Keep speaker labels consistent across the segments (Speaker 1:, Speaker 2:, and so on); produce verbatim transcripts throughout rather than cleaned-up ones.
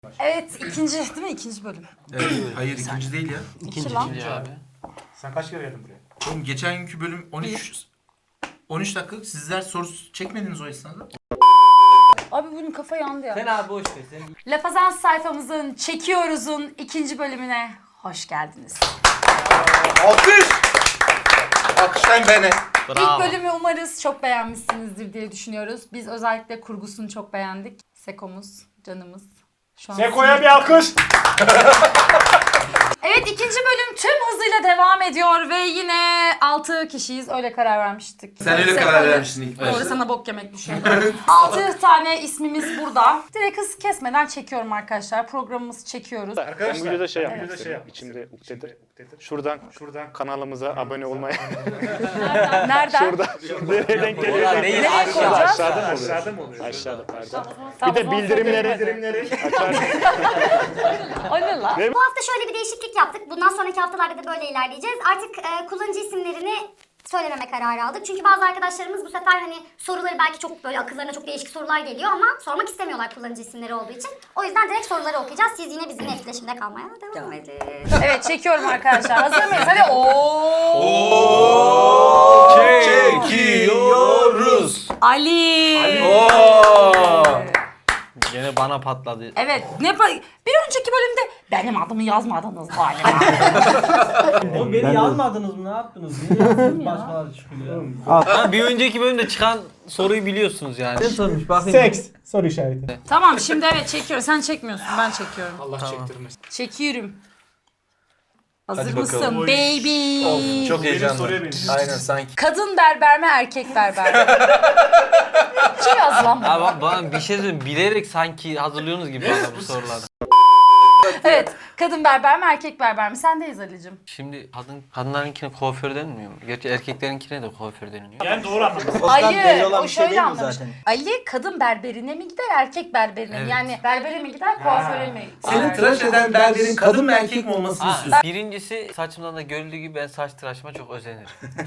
Speaker 1: Evet, ikinci değil mi? İkinci bölüm.
Speaker 2: Evet, hayır ikinci değil ya.
Speaker 1: İkinci lan.
Speaker 3: İkinci abi.
Speaker 4: Sen kaç kere geldin buraya?
Speaker 2: Oğlum geçen günkü bölüm on üç on üç dakika, sizler soru çekmediniz o esnada.
Speaker 1: Abi bunun kafa yandı ya.
Speaker 3: Sen abi boş ver sen.
Speaker 1: Lafazans sayfamızın Çekiyoruz'un ikinci bölümüne hoş geldiniz.
Speaker 2: Alkış! Alkışlayın beni.
Speaker 1: İlk bölümü umarız çok beğenmişsinizdir diye düşünüyoruz. Biz özellikle kurgusunu çok beğendik. Seko'muz, canımız. Şu an
Speaker 4: Seko'ya bir alkış.
Speaker 1: Evet, ikinci bölüm tüm hızıyla devam ediyor ve yine altı kişiyiz. Öyle karar vermiştik.
Speaker 2: Sen öyle
Speaker 1: Seko'yu-
Speaker 2: karar vermiştin ilk
Speaker 1: Doğru,
Speaker 2: başta.
Speaker 1: sana bok yemek düşüyor. altı tane ismimiz burada. Direkt hız kesmeden çekiyorum arkadaşlar. Programımızı çekiyoruz.
Speaker 4: Arkadaşlar, ben videoda şey yapmak
Speaker 1: Evet.
Speaker 4: istedim. İçimde ukdedir. Şuradan, şuradan kanalımıza abone olmaya.
Speaker 1: Nereden?
Speaker 4: Şuradan. Nereye denk geliyor?
Speaker 3: Oradan değil,
Speaker 1: Nereye
Speaker 3: aşağıda.
Speaker 1: koyacağız?
Speaker 4: Aşağıda mı oluyor? Aşağıda mı oluyor? Aşağıda pardon.
Speaker 1: Tamam,
Speaker 4: Bir
Speaker 1: o
Speaker 4: de
Speaker 1: zaman
Speaker 4: bildirimleri,
Speaker 1: söyleyelim.
Speaker 4: bildirimleri açar.
Speaker 1: O ne lan?
Speaker 5: Bu hafta şöyle bir değişiklik yaptık. Bundan sonraki haftalarda da böyle ilerleyeceğiz. Artık e, kullanıcı isimlerini söylememe kararı aldık. Çünkü bazı arkadaşlarımız bu sefer hani soruları belki çok böyle akıllarına çok değişik sorular geliyor ama sormak istemiyorlar kullanıcı isimleri olduğu için. O yüzden direkt soruları okuyacağız. Siz yine bizimle etkileşimde kalmaya devam edin.
Speaker 1: Evet, çekiyorum arkadaşlar. Hazır mıyız? Hadi ooo.
Speaker 2: Çekiyoruz.
Speaker 1: Ali.
Speaker 2: Oo.
Speaker 3: Gene bana patladı.
Speaker 1: Evet. Ne pa- bir önceki bölümde benim adımı yazmadınız galiba.
Speaker 6: Oğlum beni yazmadınız mı? Ne yaptınız? Niye yazdınız? Başkaları çıkıyor.
Speaker 3: Ha, bir önceki bölümde çıkan soruyu biliyorsunuz yani.
Speaker 6: Ne sormuş bakayım.
Speaker 4: Seks. Soru işareti.
Speaker 1: Tamam, şimdi evet çekiyorum. Sen çekmiyorsun, ben çekiyorum.
Speaker 4: Allah çektirmesin.
Speaker 1: Çekiyorum. Hazır
Speaker 2: Hadi
Speaker 1: mısın
Speaker 2: bakalım.
Speaker 1: baby?
Speaker 2: Of, çok heyecanlı.
Speaker 4: soruya benziyor.
Speaker 2: Aynen sanki.
Speaker 1: Kadın berber mi, erkek berber mi? Kim yazdı lan bunu?
Speaker 3: Abi bak bana bir şey söyleyeyim. Bilerek sanki hazırlıyorsunuz gibi bana bu soruları.
Speaker 1: Evet, kadın berber mi, erkek berber mi? Sendeyiz Ali'cim.
Speaker 3: Şimdi kadın kadınlarınkine kuaför denmiyor mu? Gerçi erkeklerinkine de kuaför deniliyor.
Speaker 4: Yani doğru anladım.
Speaker 1: Ali, o şöyle anlamış. Ali kadın berberine mi gider, erkek berberine mi?
Speaker 3: Evet.
Speaker 1: Yani berbere mi gider, kuaföre mi?
Speaker 2: Senin
Speaker 1: gider?
Speaker 2: tıraş eden berberin kadın mı erkek mi olmasını
Speaker 3: Ha,
Speaker 2: istiyorsun?
Speaker 3: birincisi saçımdan da görüldüğü gibi ben saç tıraşıma çok özenirim.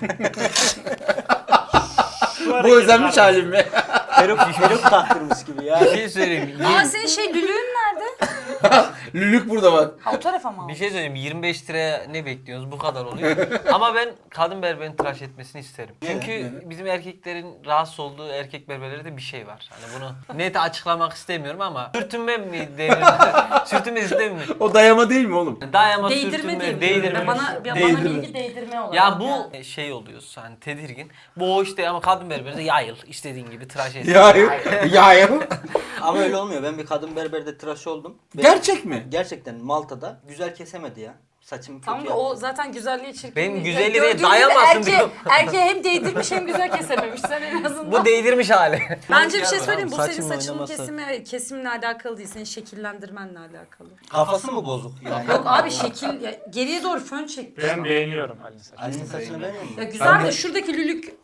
Speaker 2: Bu özenmiş halim mi?
Speaker 6: Peruk, peruk taktırmış gibi ya.
Speaker 3: Bir şey söyleyeyim.
Speaker 1: Aa,
Speaker 3: yirmi-
Speaker 1: senin şey lülüğün nerede?
Speaker 2: Lülük burada bak.
Speaker 1: Ha, o tarafa mı?
Speaker 3: Bir şey söyleyeyim. yirmi beş liraya ne bekliyorsunuz? Bu kadar oluyor. Ama ben kadın berberin tıraş etmesini isterim. Çünkü bizim erkeklerin rahatsız olduğu erkek berberlerde bir şey var. Hani bunu net açıklamak istemiyorum ama sürtünme mi denir? Sürtünme sistemi mi?
Speaker 2: O dayama değil mi oğlum?
Speaker 3: Dayama,
Speaker 1: Değdirme
Speaker 3: sürtünme,
Speaker 1: diye
Speaker 3: değdirme.
Speaker 1: biliyorum. Bana, ya bana
Speaker 2: Değdirme.
Speaker 1: bilgi değdirme olarak.
Speaker 3: Ya bu şey oluyorsun hani tedirgin. Bu o işte ama kadın berberde yayıl istediğin gibi tıraş et.
Speaker 2: Ya ya.
Speaker 7: Ama öyle olmuyor. Ben bir kadın berberde tıraş oldum. Ve
Speaker 2: Gerçek mi?
Speaker 7: gerçekten Malta'da güzel kesemedi ya. Saçımı kötü
Speaker 1: Tam da
Speaker 7: yaptı.
Speaker 1: o zaten güzelliği çirkinliği.
Speaker 3: Benim
Speaker 1: Ya
Speaker 3: güzelliğe
Speaker 1: gördüğün gibi
Speaker 3: dayamasın
Speaker 1: erkeğe-
Speaker 3: diyorum.
Speaker 1: Erkeğe hem değdirmiş hem güzel kesememiş. Sen en azından.
Speaker 3: Bu değdirmiş hali.
Speaker 1: Bence bir şey söyleyeyim. Bu senin
Speaker 7: Saçımın
Speaker 1: saçının
Speaker 7: oynaması.
Speaker 1: kesimi, kesimle alakalı değil. Senin şekillendirmenle alakalı.
Speaker 7: Kafası mı bozuk yani?
Speaker 1: Yok abi, şekil ya, geriye doğru fön çek.
Speaker 4: Ben beğeniyorum Ali'nin saçını.
Speaker 7: Ali'nin saçını beğeniyor musun?
Speaker 1: Ya güzel de şuradaki lülük.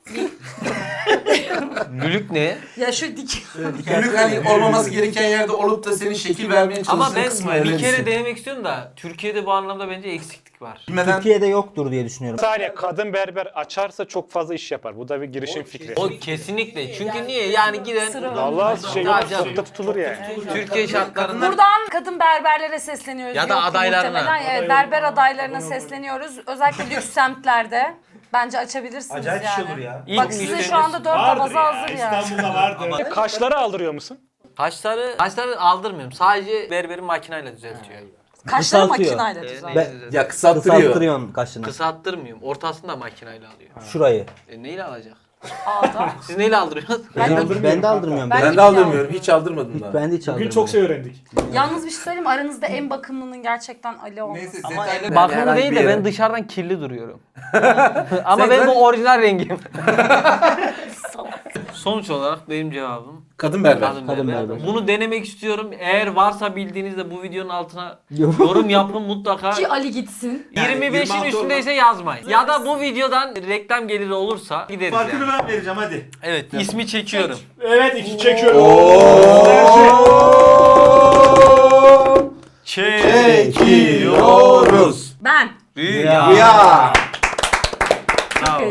Speaker 3: Lülük ne?
Speaker 1: Ya şu dik.
Speaker 2: Lülük hani olmaması gereken yerde olup da senin şekil vermeye çalıştığın
Speaker 3: Ama ben
Speaker 2: kısmı
Speaker 3: bir
Speaker 2: öğrenirsin.
Speaker 3: kere denemek istiyorum da Türkiye'de bu anlamda bence eksiklik var.
Speaker 2: Bilmeden
Speaker 7: Türkiye'de yoktur diye düşünüyorum.
Speaker 4: Bir saniye, kadın berber açarsa çok fazla iş yapar. Bu da bir girişim fikri.
Speaker 3: O kesinlikle. Çünkü niye? Yani giden
Speaker 1: Sıra var.
Speaker 4: Vallahi şey
Speaker 3: Tabii
Speaker 4: yok,
Speaker 3: canım.
Speaker 4: sokakta tutulur yani.
Speaker 3: Türkiye şartlarında
Speaker 1: Buradan kadın berberlere sesleniyoruz.
Speaker 3: Ya da
Speaker 1: Yok ki
Speaker 3: adaylarına.
Speaker 1: muhtemelen. Evet, berber adaylarına sesleniyoruz. Özellikle lüks semtlerde. Bence açabilirsiniz
Speaker 6: Acayip
Speaker 1: yani.
Speaker 6: iş olur ya.
Speaker 3: ilk
Speaker 1: Bak size
Speaker 3: müşteriniz-
Speaker 1: şu anda dört abaza hazır ya.
Speaker 4: İstanbul'da vardır. Kaşları aldırıyor musun?
Speaker 3: Kaşları, kaşları aldırmıyorum. Sadece berberin makinayla düzeltiyor.
Speaker 1: Kaşları
Speaker 7: Kısaltıyor.
Speaker 1: makinayla
Speaker 3: Ee,
Speaker 1: düzel.
Speaker 3: neyle düzeltiyor?
Speaker 2: ya kısalttırıyor.
Speaker 7: Kısalttırıyorsun kaşını.
Speaker 3: Kısalttırmıyorum. Ortasını da makinayla alıyor.
Speaker 7: Şurayı.
Speaker 3: E neyle alacak?
Speaker 1: Ağda.
Speaker 3: Siz neyle aldırıyorsunuz?
Speaker 7: Ben, ben de aldırmıyorum.
Speaker 1: Ben-
Speaker 7: Ben,
Speaker 2: Ben de aldırmıyorum. Hiç aldırmadım daha.
Speaker 7: ben de hiç aldırmıyorum.
Speaker 4: Bugün çok şey öğrendik.
Speaker 1: Yalnız bir şey söyleyeyim mi? Aranızda en bakımlının gerçekten Ali olması.
Speaker 2: Neyse
Speaker 7: Ama
Speaker 2: detaylı
Speaker 3: Bakımlı
Speaker 2: herhangi
Speaker 3: değil
Speaker 2: bir
Speaker 3: de
Speaker 2: yere.
Speaker 3: ben dışarıdan kirli duruyorum. Ama
Speaker 2: Sen
Speaker 3: ben
Speaker 2: zaten-
Speaker 3: bu orijinal rengim. Sonuç olarak benim cevabım
Speaker 2: Kadın berber.
Speaker 3: kadın
Speaker 7: Kadın
Speaker 3: berber.
Speaker 7: berber.
Speaker 3: Bunu denemek istiyorum. Eğer varsa bildiğinizde bu videonun altına
Speaker 7: Yorum.
Speaker 3: yorum yapın mutlaka.
Speaker 1: Ki Ali gitsin.
Speaker 2: Yani
Speaker 3: yirmi beşin
Speaker 2: yirmi altı
Speaker 3: üstündeyse yazmayın. Ya da bu videodan reklam geliri olursa gideriz
Speaker 6: Farkını
Speaker 3: yani.
Speaker 6: ben vereceğim hadi.
Speaker 3: Evet, ismi çekiyorum.
Speaker 4: Evet, iki çekiyorum.
Speaker 2: Çekiyoruz.
Speaker 1: Ben.
Speaker 3: Rüya.
Speaker 2: Ya.
Speaker 1: Çok heyecanlı.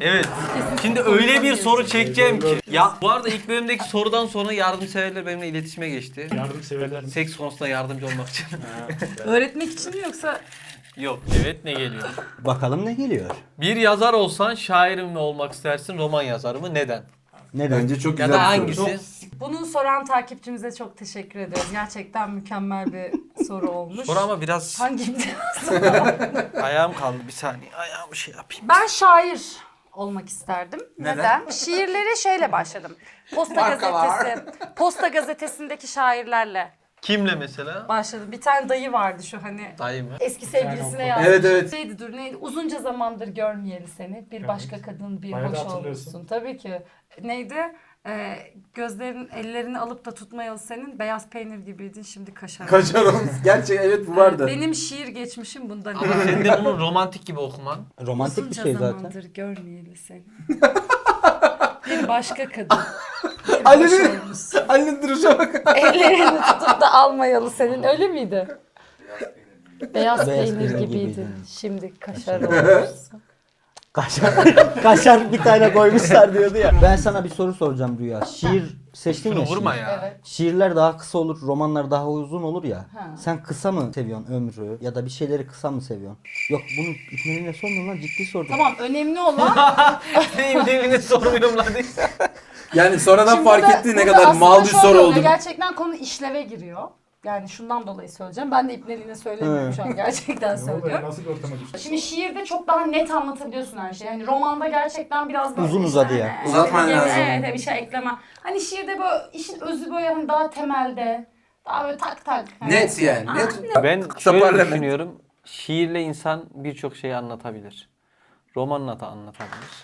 Speaker 3: Evet. Şimdi öyle bir soru çekeceğim ki. Ya bu arada ilk bölümdeki sorudan sonra yardımseverler benimle iletişime geçti.
Speaker 4: Yardımseverler mi?
Speaker 3: Seks konusunda yardımcı olmak için.
Speaker 1: Öğretmek için mi yoksa?
Speaker 3: Yok. Evet, ne geliyor?
Speaker 7: Bakalım ne geliyor?
Speaker 3: Bir yazar olsan şair mi olmak istersin, roman yazarı mı? Neden?
Speaker 7: Neden?
Speaker 2: Bence çok
Speaker 3: Ya
Speaker 2: güzel
Speaker 3: da
Speaker 2: bir soru.
Speaker 3: hangisi?
Speaker 1: Bunu soran takipçimize çok teşekkür ediyoruz. Gerçekten mükemmel bir soru olmuş.
Speaker 3: Soru ama biraz
Speaker 1: Hangi imtihan?
Speaker 3: ayağım kaldı, bir saniye ayağımı şey yapayım.
Speaker 1: Ben şair olmak isterdim.
Speaker 2: Neden?
Speaker 1: Neden? Şiirlere şeyle başladım. Posta
Speaker 2: Marka var.
Speaker 1: gazetesi, Posta gazetesindeki şairlerle
Speaker 3: Kimle mesela?
Speaker 1: başladım. Bir tane dayı vardı şu hani
Speaker 3: Dayı mı?
Speaker 1: eski sevgilisine yazmış.
Speaker 2: Evet, evet.
Speaker 1: Neydi dur neydi? Uzunca zamandır görmeyeli seni. Bir başka kadın bir
Speaker 4: Bayağı da
Speaker 1: hoş
Speaker 4: hatırlıyorsun.
Speaker 1: olmuşsun. Tabii ki. Neydi? Ee, gözlerin ellerini alıp da tutmayalı senin beyaz peynir gibiydin şimdi kaşar.
Speaker 2: Kaçar olmuş. Gerçek evet bu vardı.
Speaker 1: Benim şiir geçmişim bundan.
Speaker 3: Ama sen de bunu romantik gibi okuman.
Speaker 7: Romantik bir
Speaker 1: Uzunca
Speaker 7: şey zaten.
Speaker 1: zamandır görmeyeli seni. Bir başka kadın. Bir hoş
Speaker 2: Ali'nin,
Speaker 1: olmuşsun.
Speaker 2: Ali'nin duruşa bak.
Speaker 1: Ellerini tutup da almayalı senin öyle miydi? Beyaz,
Speaker 7: Beyaz
Speaker 1: peynir
Speaker 7: peynir
Speaker 1: gibiydin.
Speaker 7: gibiydin.
Speaker 1: Şimdi kaşar olmuşsun.
Speaker 7: Kaşar, kaşar bir tane koymuşlar diyordu ya. Ben sana bir soru soracağım Rüya. Şiir seçtin
Speaker 3: Şunu
Speaker 7: ya
Speaker 3: vurma
Speaker 7: şiir.
Speaker 3: ya.
Speaker 1: Evet.
Speaker 7: Şiirler daha kısa olur, romanlar daha uzun olur ya.
Speaker 1: Ha.
Speaker 7: Sen kısa mı seviyorsun ömrü ya da bir şeyleri kısa mı seviyorsun? Yok bunu İkmel'ine sormuyorum lan, ciddi sordum.
Speaker 1: Tamam önemli olan
Speaker 3: Neyim devini sormuyorum lan diye.
Speaker 2: Yani sonradan
Speaker 1: Şimdi
Speaker 2: fark
Speaker 1: burada-
Speaker 2: ettiği ne
Speaker 1: burada
Speaker 2: kadar
Speaker 1: aslında
Speaker 2: mal bir
Speaker 1: şöyle
Speaker 2: soru
Speaker 1: oluyor,
Speaker 2: oldu.
Speaker 1: Gerçekten konu işleve giriyor. Yani şundan dolayı söyleyeceğim. Ben de ipneliğine söylemiyorum şu an. Gerçekten
Speaker 4: Ne oldu ya?
Speaker 1: söylüyorum.
Speaker 4: Nasıl bir ortama düştün?
Speaker 1: Şimdi şiirde çok daha net anlatabiliyorsun her şeyi. Yani romanda gerçekten biraz böyle
Speaker 7: Uzun
Speaker 1: işte
Speaker 7: uzadı ya.
Speaker 1: hani-
Speaker 2: Uzatman
Speaker 1: Evet,
Speaker 2: lazım.
Speaker 1: Evet, bir şey ekleme. Hani şiirde böyle işin özü böyle hani daha temelde. Daha böyle tak tak. Hani-
Speaker 2: Net yani. Net.
Speaker 3: Ben
Speaker 2: Kısa
Speaker 3: şöyle
Speaker 2: parlament.
Speaker 3: düşünüyorum. Şiirle insan birçok şeyi anlatabilir. Romanla da anlatabilir.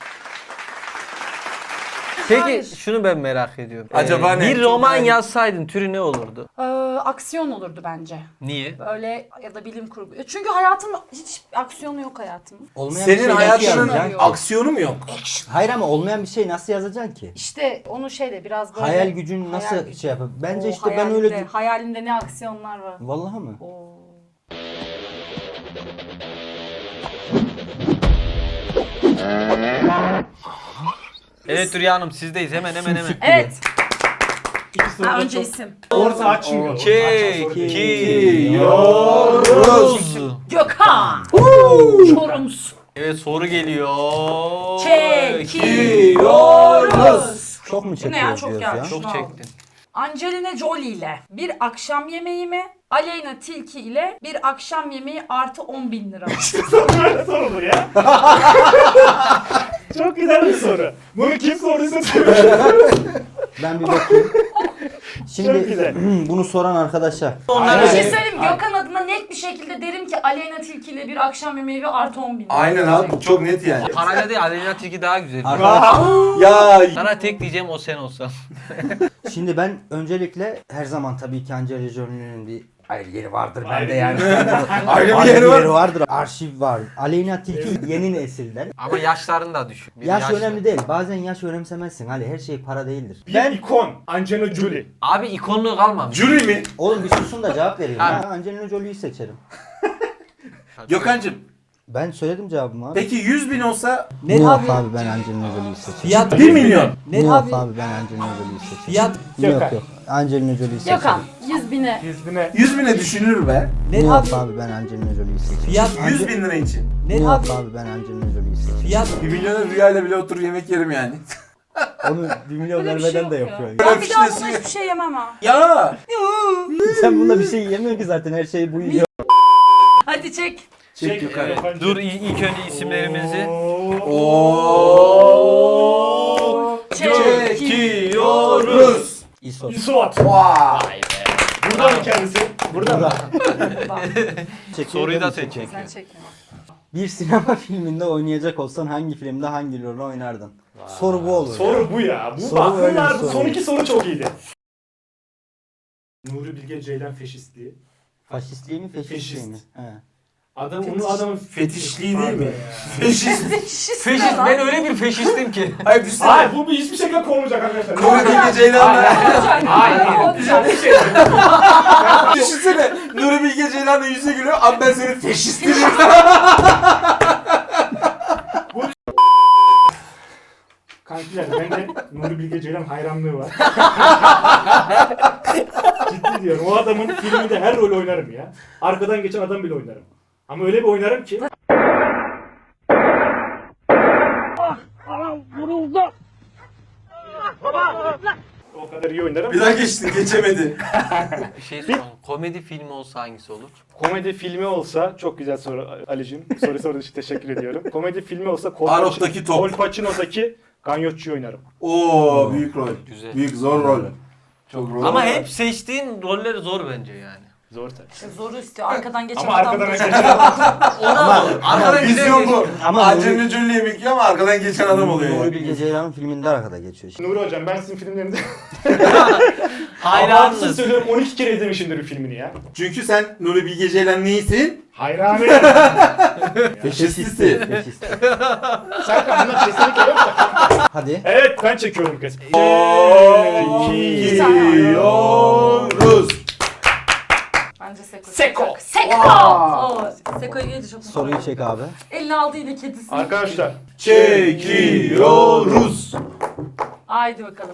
Speaker 3: Peki
Speaker 1: Hayır.
Speaker 3: şunu ben merak ediyorum.
Speaker 2: Acaba ne?
Speaker 3: Bir
Speaker 2: Çok
Speaker 3: roman
Speaker 2: merak-
Speaker 3: yazsaydın türü ne olurdu?
Speaker 1: Ee, aksiyon olurdu bence.
Speaker 3: Niye?
Speaker 1: Böyle ya da bilim kurgu. Çünkü hayatım hiç aksiyonu yok hayatımın.
Speaker 7: Olmayan bir
Speaker 2: Senin
Speaker 7: şey nasıl
Speaker 2: hayatının
Speaker 7: yazacaksın?
Speaker 2: aksiyonu mu yok?
Speaker 7: Hayır ama olmayan bir şey nasıl yazacaksın ki?
Speaker 1: İşte onu şeyle biraz böyle...
Speaker 7: Hayal gücün nasıl
Speaker 1: Hayal gücü.
Speaker 7: şey yapar? Bence
Speaker 1: Oo,
Speaker 7: işte ben
Speaker 1: hayalimde-
Speaker 7: öyle...
Speaker 1: Hayalimde ne aksiyonlar var.
Speaker 7: Vallahi mı?
Speaker 1: Oo.
Speaker 3: Evet Rüya Hanım sizdeyiz hemen hemen hemen.
Speaker 1: Evet.
Speaker 4: İki soru
Speaker 1: Ha,
Speaker 4: da
Speaker 1: önce
Speaker 4: çok
Speaker 1: isim.
Speaker 4: orta açmıyor.
Speaker 3: Çekiyoruz.
Speaker 1: Gökhan. Çorumsu.
Speaker 3: Evet soru geliyor.
Speaker 1: Çekiyoruz.
Speaker 7: Çok mu
Speaker 1: Ne ya,
Speaker 7: çekiyoruz
Speaker 1: çok
Speaker 7: diyoruz
Speaker 1: ya.
Speaker 7: ya?
Speaker 3: Çok çektin.
Speaker 1: Angelina Jolie ile bir akşam yemeği mi? Aleyna Tilki ile bir akşam yemeği artı on bin lira.
Speaker 4: Böyle soru bu ya. Çok güzel bir soru. Bunu kim sorduysa
Speaker 7: Ben bir bakayım.
Speaker 4: Çok
Speaker 7: Şimdi
Speaker 4: güzel.
Speaker 7: bunu soran arkadaşa.
Speaker 1: Bir şey söyleyeyim mi? Gökhan adına net bir şekilde derim ki Aleyna Tilki ile bir akşam yemeği ve artı on bin lira.
Speaker 2: Aynen abi bu çok net yani.
Speaker 3: Parayla değil Aleyna Tilki daha güzel.
Speaker 7: Arkadaş,
Speaker 2: Ya
Speaker 3: Sana tek diyeceğim o sen olsan.
Speaker 7: şimdi ben öncelikle her zaman tabii ki Angelina Jolie'nin bir ayrı yeri vardır
Speaker 4: Ayrı
Speaker 7: bende yani.
Speaker 2: ayrı bir
Speaker 7: Ayrı
Speaker 2: yeri
Speaker 7: bir
Speaker 2: var.
Speaker 7: yeri vardır. Arşiv var. Aleyna Tilki yeni nesilden.
Speaker 3: Ama yaşların da düşük. Bir
Speaker 7: Yaş
Speaker 3: yaşlı.
Speaker 7: önemli değil. Bazen yaş önemsemezsin. Hani her şey para değildir.
Speaker 4: bir ikon. Angelina Jolie.
Speaker 3: Abi ikonluğu kalmamış.
Speaker 2: Jüri mi?
Speaker 7: Oğlum bir susun da cevap vereyim.
Speaker 3: Abi.
Speaker 7: Ha, Angelina Jolie'yi seçerim.
Speaker 2: Gökhan'cığım
Speaker 7: Ben söyledim cevabımı abi.
Speaker 2: peki yüz bin olsa
Speaker 7: Ne yok abi ben Angelina Jolie'yi seçerim.
Speaker 6: Fiyat
Speaker 2: bir milyon.
Speaker 7: Ne yok abi ben Angelina Jolie'yi seçerim.
Speaker 6: fiyat
Speaker 7: Yok
Speaker 4: Gökhan.
Speaker 7: yok. Angelina Jolie'yi seçerim.
Speaker 1: Gökhan yüz bine.
Speaker 4: Yüz bine.
Speaker 2: yüz bine düşünür be.
Speaker 7: Ne
Speaker 6: ne
Speaker 7: yok
Speaker 6: abi?
Speaker 7: abi ben Angelina Jolie'yi seçerim.
Speaker 6: Fiyat
Speaker 2: yüz bin lira için.
Speaker 7: Ne
Speaker 6: ne
Speaker 7: yok
Speaker 6: abi?
Speaker 7: abi ben Angelina Jolie'yi seçerim.
Speaker 6: Fiyat
Speaker 2: Bir milyona rüyayla bile oturur yemek yerim yani.
Speaker 7: Onu bir milyon
Speaker 1: Böyle bir şey
Speaker 7: vermeden
Speaker 1: yok
Speaker 7: de
Speaker 1: ya.
Speaker 7: yapıyor. ya.
Speaker 1: Ben bir daha
Speaker 2: Öpüşmesi
Speaker 1: buna
Speaker 2: yok.
Speaker 1: hiçbir şey yemem ha.
Speaker 2: Ya.
Speaker 7: Sen bunda bir şey yemiyorsun ki zaten her şeyi bu yiyor.
Speaker 1: Hadi çek.
Speaker 2: Çek Gökhan.
Speaker 3: Evet. Dur i- ilk önce isimlerimizi.
Speaker 2: Oo.
Speaker 3: Çekiyoruz.
Speaker 7: İsos.
Speaker 4: Yusuf.
Speaker 2: Vay.
Speaker 4: Burada mı kendisi? Burada mı?
Speaker 3: Soruyu da sen çek.
Speaker 1: Sen çek.
Speaker 7: Bir sinema filminde oynayacak olsan hangi filmde hangi rolü oynardın? Soru bu olur.
Speaker 4: Soru bu ya. Bu
Speaker 7: Soru
Speaker 4: bak
Speaker 7: öyle
Speaker 4: bunlar
Speaker 7: bir
Speaker 4: bu
Speaker 7: soru.
Speaker 4: son iki soru çok iyiydi. Nuri Bilge Ceylan feşistliği.
Speaker 7: Faşistliği mi feşistliği
Speaker 4: Feşist.
Speaker 7: mi? He.
Speaker 4: Adam onun adamın
Speaker 2: Fetişliği değil mi?
Speaker 4: Ya.
Speaker 2: Feşist.
Speaker 1: Feşist.
Speaker 3: Feşist ben öyle bir feşistim ki.
Speaker 2: Hayır düşünsene.
Speaker 4: Hayır bu bir hiçbir şekilde kovulacak arkadaşlar.
Speaker 2: Nuri Bilge Ceylan'la.
Speaker 1: Hayır.
Speaker 4: Güzel bir şey.
Speaker 2: Düşünsene. Nuri Bilge Ceylan'la yüze gülüyor. Abi ben senin feşistinim.
Speaker 4: Ceylan hayranlığı var. Ciddi diyorum. O adamın filminde her rol oynarım ya. Arkadan geçen adam bile oynarım. Ama öyle bir oynarım ki. O kadar iyi oynarım.
Speaker 2: Bir daha geçtin geçemedi.
Speaker 3: Bir şey soralım. Komedi filmi olsa hangisi olur?
Speaker 4: Komedi filmi olsa çok güzel soru Ali'cim. Soru sorduğun için teşekkür ediyorum. Komedi filmi olsa Col
Speaker 2: Arok'taki top.
Speaker 4: Col Pacino'daki Ganyotçu'yu oynarım.
Speaker 2: Oo büyük rol.
Speaker 3: Güzel.
Speaker 2: Büyük zor rol. Çok rol.
Speaker 3: Ama hep seçtiğin roller zor bence yani.
Speaker 4: Zor tabii.
Speaker 1: Zoru istiyor. Arkadan geçen
Speaker 4: Ama
Speaker 1: adam.
Speaker 4: arkadan geçen
Speaker 3: Ona olur. Arkadan
Speaker 2: vizyon bu.
Speaker 7: Ama
Speaker 2: Acemli cüllü yemek yiyor ama arkadan geçen adam oluyor
Speaker 7: Nuri
Speaker 2: yani.
Speaker 7: Bilge Ceylan'ın filminde arkada geçiyor işte.
Speaker 4: Nuri hocam ben sizin filmlerinizi
Speaker 3: Hayranınız.
Speaker 4: Abartısız söylüyorum on iki kere izlemişimdir bu filmini ya.
Speaker 2: Çünkü sen Nuri Bilge Ceylan neysin?
Speaker 4: Hayranı.
Speaker 2: Faşististi.
Speaker 7: Faşist.
Speaker 4: Serkan bunlar kesinlikle yok da.
Speaker 7: Hadi.
Speaker 4: Evet ben çekiyorum kız.
Speaker 2: Çekiyoruz.
Speaker 1: Bence Seko.
Speaker 4: Seko.
Speaker 1: Seko. Oo, Seko'yu gelince çok mutlu.
Speaker 7: Soruyu çek abi.
Speaker 1: Elini aldı yine kedisi.
Speaker 4: Arkadaşlar
Speaker 2: Çekiyoruz.
Speaker 1: Haydi bakalım.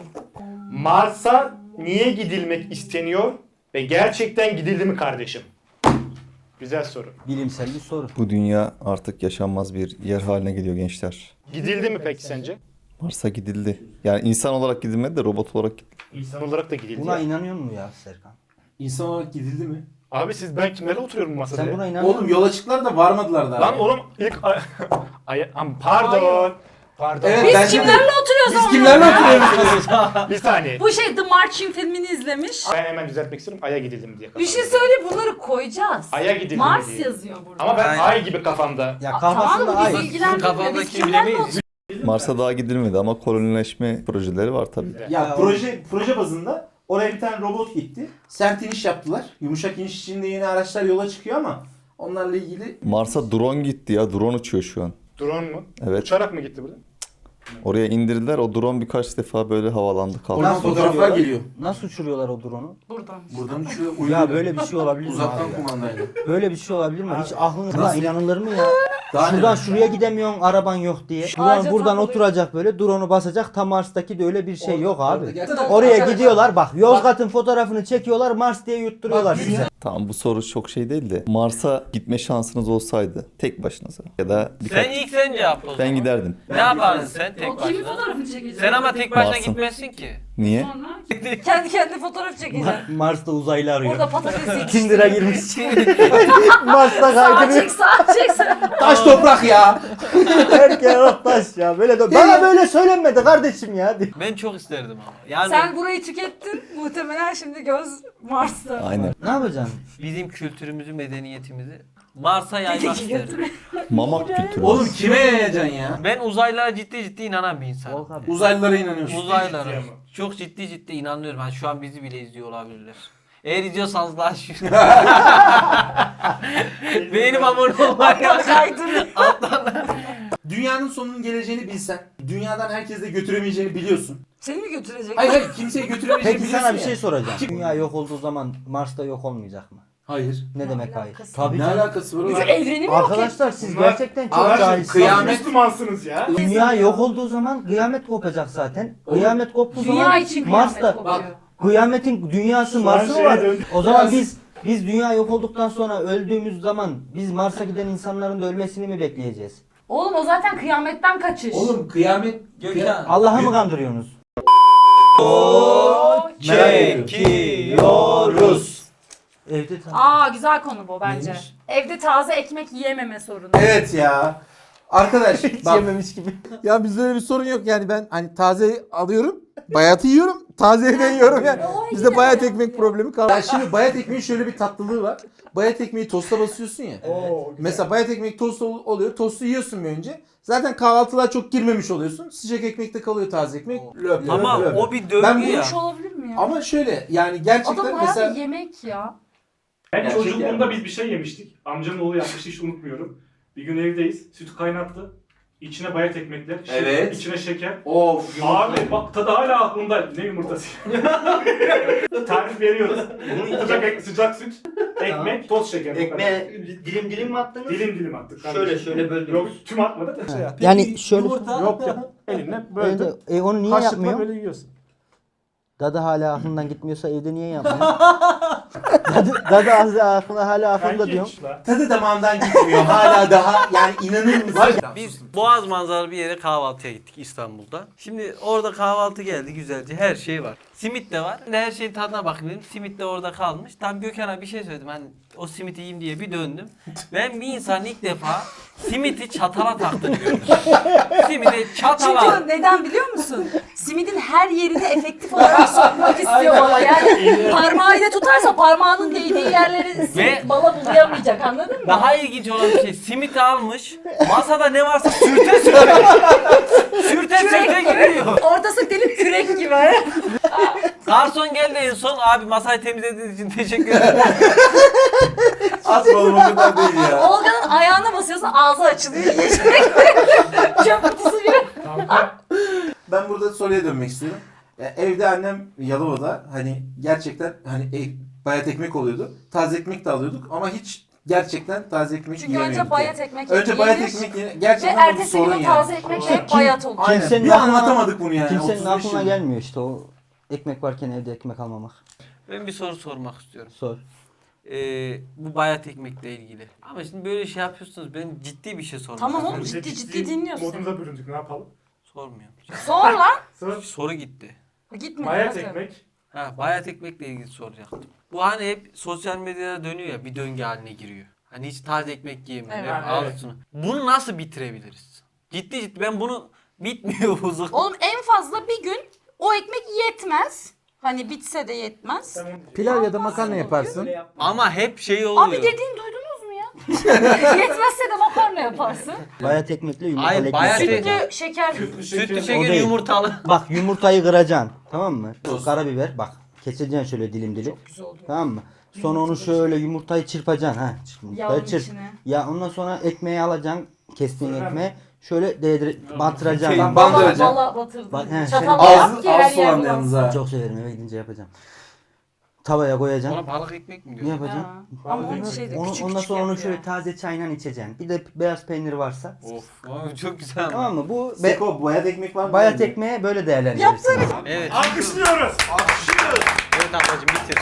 Speaker 4: Mars'a niye gidilmek isteniyor ve gerçekten gidildi mi kardeşim? Güzel soru.
Speaker 7: Bilimsel bir soru.
Speaker 8: Bu dünya artık yaşanmaz bir yer haline geliyor gençler.
Speaker 4: Gidildi mi peki sence?
Speaker 8: Mars'a gidildi. Yani insan olarak gidilmedi de robot olarak gidildi.
Speaker 4: İnsan olarak da gidildi.
Speaker 7: Buna
Speaker 4: ya.
Speaker 7: inanıyor musun ya Serkan?
Speaker 2: İnsan olarak gidildi mi?
Speaker 4: Abi siz ben kimlerle oturuyorum bu masada?
Speaker 7: Sen
Speaker 4: ya?
Speaker 7: buna inanıyor
Speaker 2: Oğlum
Speaker 7: musun?
Speaker 2: yola çıktılar da varmadılar daha.
Speaker 4: Lan oğlum ilk ay, ay am- pardon. Pardon.
Speaker 2: Evet,
Speaker 1: Biz
Speaker 2: bence de-
Speaker 1: kimlerle oturuyoruz
Speaker 2: Biz
Speaker 1: ama?
Speaker 2: kimlerle oturuyoruz?
Speaker 4: Bir saniye.
Speaker 1: Bu şey The Marching filmini izlemiş.
Speaker 4: Ben hemen düzeltmek istiyorum. Ay'a gidildi mi diye
Speaker 1: Bir
Speaker 4: kafamda.
Speaker 1: şey söyle bunları koyacağız.
Speaker 4: Ay'a gidildi mi
Speaker 1: Mars
Speaker 4: diye.
Speaker 1: yazıyor burada.
Speaker 4: Ama ben
Speaker 3: Aynen.
Speaker 4: ay gibi kafamda.
Speaker 7: Ya
Speaker 1: Aa, tamam
Speaker 7: kafasında
Speaker 1: mı? Bizi
Speaker 7: ay.
Speaker 1: ilgilendirmiyor. Biz
Speaker 3: Kafamdaki
Speaker 1: kimlerle
Speaker 3: bilemeyiz.
Speaker 1: oturuyoruz?
Speaker 8: Mars'a daha gidilmedi ama kolonileşme projeleri var tabii.
Speaker 9: Ya proje proje bazında oraya bir tane robot gitti. Sert iniş yaptılar. Yumuşak iniş için de yeni araçlar yola çıkıyor ama onlarla ilgili
Speaker 8: Mars'a drone gitti ya. Drone uçuyor şu an.
Speaker 4: Drone mu?
Speaker 8: Evet.
Speaker 4: Uçarak mı gitti burada?
Speaker 8: Oraya indirdiler. O drone birkaç defa böyle havalandı kaldı.
Speaker 9: oradan
Speaker 7: Nasıl
Speaker 9: fotoğraflar
Speaker 7: uçuruyorlar?
Speaker 9: geliyor.
Speaker 7: Nasıl uçuruyorlar o drone'u?
Speaker 1: Buradan.
Speaker 2: Buradan uçuyor.
Speaker 7: Ya böyle bir şey olabilir mi
Speaker 2: Uzaktan
Speaker 7: abi ya?
Speaker 2: kumandayla.
Speaker 7: Böyle bir şey olabilir mi? Hiç aklınızda inanılır mı ya?
Speaker 9: Daha
Speaker 7: Şuradan
Speaker 9: ne?
Speaker 7: şuraya gidemiyorsun araban yok diye. Şuradan
Speaker 1: Ağaca
Speaker 7: buradan
Speaker 1: takılıyor.
Speaker 7: oturacak böyle drone'u basacak. Tam Mars'taki de öyle bir şey
Speaker 9: Orada-
Speaker 7: yok
Speaker 9: orada
Speaker 7: abi.
Speaker 9: gerçekten-
Speaker 7: Oraya gidiyorlar bak Yozgat'ın fotoğrafını çekiyorlar Mars diye yutturuyorlar
Speaker 9: Bak,
Speaker 7: size.
Speaker 8: Tamam bu soru çok şey değil de. Mars'a gitme şansınız olsaydı tek başınıza ya da birkaç...
Speaker 3: Sen ilk sen cevap o zaman.
Speaker 8: Ben giderdim.
Speaker 3: Ne yapardın sen tek
Speaker 1: O kimin
Speaker 3: başına?
Speaker 1: fotoğrafını çekecek?
Speaker 3: Sen ama tek başına
Speaker 8: Mars'ın.
Speaker 3: gitmezsin ki.
Speaker 8: Niye?
Speaker 1: Sonra kendi kendine fotoğraf çekecek.
Speaker 7: Ma- Mars'ta uzaylı arıyor.
Speaker 1: Orada patates yetiştiriyor.
Speaker 7: Tinder'a girmiş. Mars'ta
Speaker 1: Sağa
Speaker 7: kaydırıyor.
Speaker 1: çek sağa çek sen.
Speaker 9: Taş toprak ya.
Speaker 7: Erkeğe bak taş ya. Böyle de bana böyle söylenmedi kardeşim ya.
Speaker 3: Ben çok isterdim ama. Yani
Speaker 1: Sen burayı tükettin. Muhtemelen şimdi göz Mars'ta.
Speaker 8: Aynen.
Speaker 7: Ne yapacaksın?
Speaker 3: bizim kültürümüzü, medeniyetimizi Mars'a yaymak isterdim.
Speaker 8: Mamak kültürü.
Speaker 9: Oğlum kime yayacaksın ya?
Speaker 3: Ben uzaylılara ciddi ciddi inanan bir insanım.
Speaker 7: Volk abi.
Speaker 9: Uzaylılara inanıyorsun.
Speaker 3: Uzaylılara.
Speaker 4: ciddi ama.
Speaker 3: Çok ciddi ciddi inanıyorum. Yani şu an bizi bile izliyor olabilirler. Eğer izliyorsanız daha şu. Beğenip abone olmayı
Speaker 1: Kaydırın.
Speaker 9: Dünyanın sonunun geleceğini bilsen, dünyadan herkes de götüremeyeceğini biliyorsun.
Speaker 1: Seni mi götürecek?
Speaker 9: Hayır hayır kimseye götüremeyeceğini
Speaker 7: Peki
Speaker 9: biliyorsun
Speaker 7: sana bir
Speaker 9: ya.
Speaker 7: şey soracağım. Dünya yok olduğu zaman Mars'ta yok olmayacak mı?
Speaker 9: Hayır.
Speaker 7: Ne demek hayır?
Speaker 1: alakası
Speaker 7: Tabii
Speaker 9: Ne
Speaker 7: canım.
Speaker 9: alakası var
Speaker 1: Biz
Speaker 9: oğlum?
Speaker 1: evreni mi yok
Speaker 7: Arkadaşlar siz
Speaker 4: Bunlar-
Speaker 7: gerçekten çok
Speaker 9: Abi,
Speaker 7: cahilsiniz.
Speaker 9: kıyamet-
Speaker 4: Müslümansınız ya.
Speaker 7: Dünya yok olduğu zaman kıyamet kopacak zaten. Kıyamet koptuğu
Speaker 1: Dünya
Speaker 7: zaman
Speaker 1: için kıyamet
Speaker 7: Mars'ta
Speaker 1: kopuyor.
Speaker 7: kıyametin dünyası
Speaker 4: Şu an
Speaker 7: Mars'ı mı
Speaker 4: şeye
Speaker 7: var?
Speaker 4: döndü.
Speaker 7: O zaman
Speaker 9: Biraz-
Speaker 7: biz biz dünya yok olduktan sonra öldüğümüz zaman biz Mars'a giden insanların da ölmesini mi bekleyeceğiz?
Speaker 1: Oğlum o zaten kıyametten kaçış.
Speaker 9: Oğlum kıyamet...
Speaker 3: Gökhan.
Speaker 7: Allah'ı mı kandırıyorsunuz?
Speaker 9: Çekiyoruz.
Speaker 7: Evde tam.
Speaker 1: Aa güzel konu bu bence.
Speaker 9: Neymiş?
Speaker 1: Evde taze ekmek yiyememe sorunu.
Speaker 9: Evet ya. Arkadaş
Speaker 7: Hiç
Speaker 9: bak.
Speaker 7: yememiş gibi.
Speaker 10: Ya bizde öyle bir sorun yok yani ben hani taze alıyorum, bayatı yiyorum, taze evden yiyorum yani. Bizde bayat ekmek problemi kaldı.
Speaker 9: Ya şimdi bayat ekmeğin şöyle bir tatlılığı var. Bayat ekmeği tosta basıyorsun ya.
Speaker 4: Oo, güzel.
Speaker 9: Mesela bayat ekmek tost ol- oluyor. Tostu yiyorsun bir önce. Zaten kahvaltılığa çok girmemiş oluyorsun. Sıcak ekmekte kalıyor taze ekmek. Löp, löp,
Speaker 3: Ama
Speaker 9: löp.
Speaker 3: o bir döngü
Speaker 9: Ben bu
Speaker 3: ya.
Speaker 1: Yemiş olabilir mi ya?
Speaker 9: Ama şöyle yani gerçekten
Speaker 1: Adamın hayatı
Speaker 9: mesela
Speaker 1: yemek ya.
Speaker 4: Ben
Speaker 9: Gerçek
Speaker 4: çocukluğumda
Speaker 9: yani.
Speaker 4: biz bir şey yemiştik. Amcamın oğlu yapmıştı hiç unutmuyorum. Bir gün evdeyiz. Sütü kaynattı. İçine bayat ekmekler. şeker-
Speaker 2: Evet.
Speaker 4: içine şeker.
Speaker 9: of
Speaker 4: Abi bak tadı hala aklımda. Ne yumurtası? Tarif veriyoruz. sıcak, ek- sıcak süt, ekmek, toz şeker. bu kadar.
Speaker 7: Ekmeğe dilim dilim mi attınız?
Speaker 4: Dilim dilim attık.
Speaker 7: Şöyle,
Speaker 4: kardeşim.
Speaker 7: şöyle böldünüz.
Speaker 4: Yok tüm atmadık da. Şey
Speaker 7: Yani şöyle
Speaker 4: Yok ya. Elinle
Speaker 7: Evde-
Speaker 4: böyle.
Speaker 7: e, onu niye
Speaker 4: Kaşıkla
Speaker 7: yapmıyor?
Speaker 4: böyle yiyorsun.
Speaker 7: Dadı hala aklından gitmiyorsa evde niye yapmıyor? dadı, dadı az aklına hala aklında
Speaker 4: Kanki
Speaker 7: diyorum.
Speaker 4: hiç lan.
Speaker 9: Tadı damağımdan gitmiyor. Hala daha yani inanır mısın?
Speaker 3: Biz Boğaz manzaralı bir yere kahvaltıya gittik İstanbul'da. Şimdi orada kahvaltı geldi güzelce. Her şey var. Simit de var. Her şeyin tadına bakayım dedim. Simit de orada kalmış. Tam Gökhan'a bir şey söyledim. Hani o simiti yiyeyim diye bir döndüm. Ben bir insan ilk defa simiti çatala taktığını gördüm. Simiti çatala.
Speaker 1: Çünkü neden biliyor musun? Simidin her yerini efektif olarak sokmak istiyor bala. Yani parmağıyla tutarsa parmağının değdiği yerleri simit bala bulayamayacak, anladın mı?
Speaker 3: Daha ilginç olan bir şey. Simiti almış. Masada ne varsa sürte sürte. sürte sürte gidiyor.
Speaker 1: Ortası delip kürek gibi.
Speaker 3: Garson geldi en son. Abi masayı temizlediğiniz için teşekkür ederim.
Speaker 9: Asma oğlum o kadar değil ya.
Speaker 1: Olga'nın ayağına basıyorsun, ağzı açılıyor. Yiyecek. Çöp kutusu gibi.
Speaker 4: Kanka
Speaker 9: Ben burada soruya dönmek istiyorum. Ya, evde annem Yalova'da hani gerçekten hani e, bayat ekmek oluyordu. Taze ekmek de alıyorduk ama hiç gerçekten taze ekmek
Speaker 1: Çünkü
Speaker 9: yiyemiyorduk.
Speaker 1: önce bayat
Speaker 9: yani.
Speaker 1: ekmek
Speaker 9: Önce bayat
Speaker 1: yenir
Speaker 9: ekmek yenir.
Speaker 1: ve
Speaker 9: Gerçekten bu bir
Speaker 1: ertesi
Speaker 9: sorun
Speaker 1: gün
Speaker 9: yani.
Speaker 1: taze ekmekle hep bayat olur.
Speaker 9: Aynen.
Speaker 7: Kimsenin
Speaker 9: Bir
Speaker 7: aklına-
Speaker 9: anlatamadık bunu yani.
Speaker 7: Kimsenin
Speaker 9: otuz beş
Speaker 7: aklına
Speaker 9: yıldır.
Speaker 7: gelmiyor işte o ekmek varken evde ekmek almamak.
Speaker 3: Ben bir soru sormak istiyorum.
Speaker 7: Sor.
Speaker 3: Ee, bu bayat ekmekle ilgili. Ama şimdi böyle şey yapıyorsunuz. Ben ciddi bir şey sormak
Speaker 1: Tamam
Speaker 3: istiyorum.
Speaker 1: oğlum, ciddi ciddi dinliyorsun.
Speaker 4: modumuza büründük, ne yapalım?
Speaker 3: Sormuyorum.
Speaker 1: Sor lan.
Speaker 4: Sor.
Speaker 3: Soru gitti.
Speaker 1: Gitme.
Speaker 4: Bayat
Speaker 1: hadi.
Speaker 4: ekmek.
Speaker 3: Ha, bayat ekmekle ilgili soracaktım. Bu hani hep sosyal medyada dönüyor ya, bir döngü haline giriyor. Hani hiç taze ekmek yiyemiyor.
Speaker 1: Evet.
Speaker 3: hep
Speaker 4: Ha, evet.
Speaker 3: altını. Bunu nasıl bitirebiliriz? Ciddi ciddi ben bunu bitmiyor bu zık.
Speaker 1: Oğlum en fazla bir gün o ekmek yetmez. Hani bitse de yetmez.
Speaker 4: Sen onu diyeceksin.
Speaker 10: Pilav ya da makarna yaparsın.
Speaker 3: Ama hep şey oluyor.
Speaker 1: Abi dediğin duydunuz mu ya? Yetmezse de makarna yaparsın.
Speaker 7: Bayat ekmekle yumurtalı
Speaker 3: Ay,
Speaker 7: ekmek
Speaker 3: bayat
Speaker 7: yapacaksın.
Speaker 1: Sütlü şeker.
Speaker 4: Sütlü
Speaker 3: Sütlü
Speaker 4: şeker.
Speaker 3: şeker
Speaker 7: değil.
Speaker 3: yumurtalı.
Speaker 7: Bak yumurtayı kıracaksın. Tamam mı? Karabiber bak. Keseceksin şöyle dilim dilim.
Speaker 1: Güzel oldu.
Speaker 7: Tamam mı? Sonra onu şöyle yumurtayı çırpacaksın ha.
Speaker 1: Yağın
Speaker 7: Yumurtayı çırp.
Speaker 1: içine.
Speaker 7: Ya ondan sonra ekmeği alacaksın. Kestiğin
Speaker 4: Fırına
Speaker 7: ekmeği şöyle değdir bandıracaksın.
Speaker 9: Şey,
Speaker 7: Bak,
Speaker 9: ban-
Speaker 1: Valla
Speaker 9: Bandıracağım.
Speaker 1: valla batırdım.
Speaker 7: Bak, he,
Speaker 1: Çatalla
Speaker 7: şey-
Speaker 1: yap
Speaker 9: Ağzı
Speaker 1: ki her
Speaker 9: ağzı
Speaker 1: yer
Speaker 9: olan yalnız
Speaker 1: bulansın.
Speaker 9: ha.
Speaker 7: çok severim eve gidince yapacağım. Tavaya koyacaksın.
Speaker 3: Ona balık ekmek mi
Speaker 7: Ne
Speaker 3: diyor?
Speaker 7: yapacaksın?
Speaker 1: Ha. Ama onun
Speaker 7: Onu-
Speaker 1: şeyde
Speaker 7: onu,
Speaker 1: küçük
Speaker 7: ondan
Speaker 1: küçük
Speaker 7: sonra onu
Speaker 1: yapıyor.
Speaker 7: şöyle taze çayla içeceksin. Bir de beyaz peynir varsa.
Speaker 3: Of, abi çok güzel.
Speaker 7: Tamam mı? Bu be,
Speaker 9: Seko bayat ekmek var mı?
Speaker 7: bayat ekmeği böyle değerlendirirsin.
Speaker 3: Evet.
Speaker 4: Alkışlıyoruz.
Speaker 3: Evet ablacığım bitir.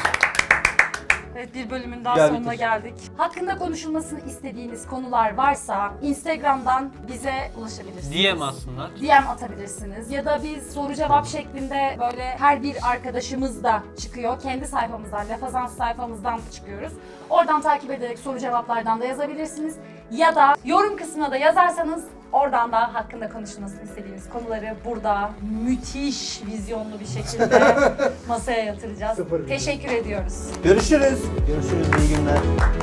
Speaker 1: Evet, bir bölümün daha
Speaker 7: Gel
Speaker 1: sonuna
Speaker 7: bitir.
Speaker 1: geldik. Hakkında konuşulmasını istediğiniz konular varsa Instagram'dan bize ulaşabilirsiniz.
Speaker 3: D M aslında.
Speaker 1: D M atabilirsiniz ya da biz soru cevap şeklinde böyle her bir arkadaşımız da çıkıyor. Kendi sayfamızdan, Lafazans sayfamızdan çıkıyoruz. Oradan takip ederek soru cevaplardan da yazabilirsiniz. Ya da yorum kısmına da yazarsanız oradan da hakkında konuşulmasını istediğiniz konuları burada müthiş vizyonlu bir şekilde masaya yatıracağız.
Speaker 4: Sıfır vizyon.
Speaker 1: Teşekkür ediyoruz.
Speaker 9: Görüşürüz.
Speaker 7: Görüşürüz, iyi günler.